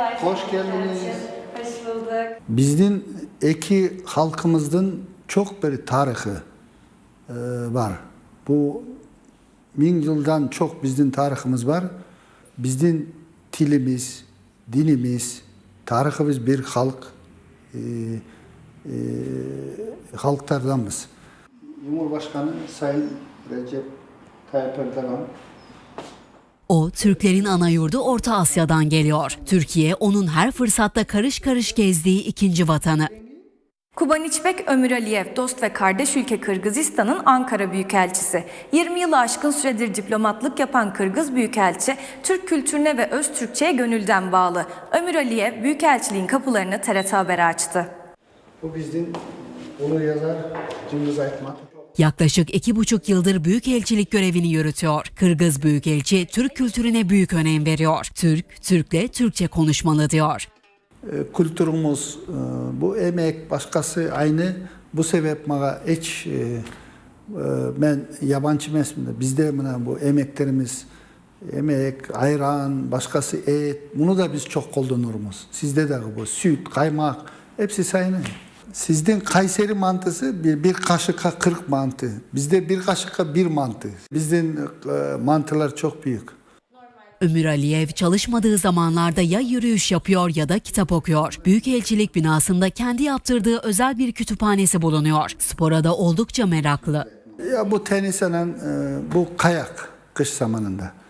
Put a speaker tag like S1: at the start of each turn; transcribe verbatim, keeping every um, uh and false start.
S1: Merhabalar.
S2: Hoş geldiniz.
S1: Hoş bulduk.
S2: Bizden iki halkımızdan çok bir tarihi e, var. Bu bin yıldan çok bizden tarihimiz var. Bizden tilimiz, dinimiz, tarihimiz bir halk, e, e, halklardanız. Cumhurbaşkanı Sayın Recep Tayyip Erdoğan.
S3: O, Türklerin ana yurdu Orta Asya'dan geliyor. Türkiye, onun her fırsatta karış karış gezdiği ikinci vatanı.
S4: Kubaniçbek Ömür Aliyev, dost ve kardeş ülke Kırgızistan'ın Ankara Büyükelçisi. yirmi yılı aşkın süredir diplomatlık yapan Kırgız Büyükelçi, Türk kültürüne ve öz Türkçe'ye gönülden bağlı. Ömür Aliyev, Büyükelçiliğin kapılarını T R T Haber'e açtı.
S2: Bu bizden ulu yazar Cengiz Aytmat.
S3: Yaklaşık iki buçuk yıldır büyükelçilik görevini yürütüyor. Kırgız Büyükelçi, Türk kültürüne büyük önem veriyor. Türk, Türk'le Türkçe konuşmalı diyor.
S2: Kültürümüz, bu emek başkası aynı. Bu sebep bana hiç ben yabancı mesminde bizde bu emeklerimiz emek, ayran, başkası et. Bunu da biz çok kullanırız. Sizde de bu süt, kaymak hepsi aynı. Sizden Kayseri mantısı bir, bir kaşıka kırk mantı. Bizde bir kaşıka bir mantı. Bizden e, mantılar çok büyük.
S3: Ömür Aliyev çalışmadığı zamanlarda ya yürüyüş yapıyor ya da kitap okuyor. Büyükelçilik binasında kendi yaptırdığı özel bir kütüphanesi bulunuyor. Spora da oldukça meraklı.
S2: Ya bu tenisen, e, bu kayak kış zamanında.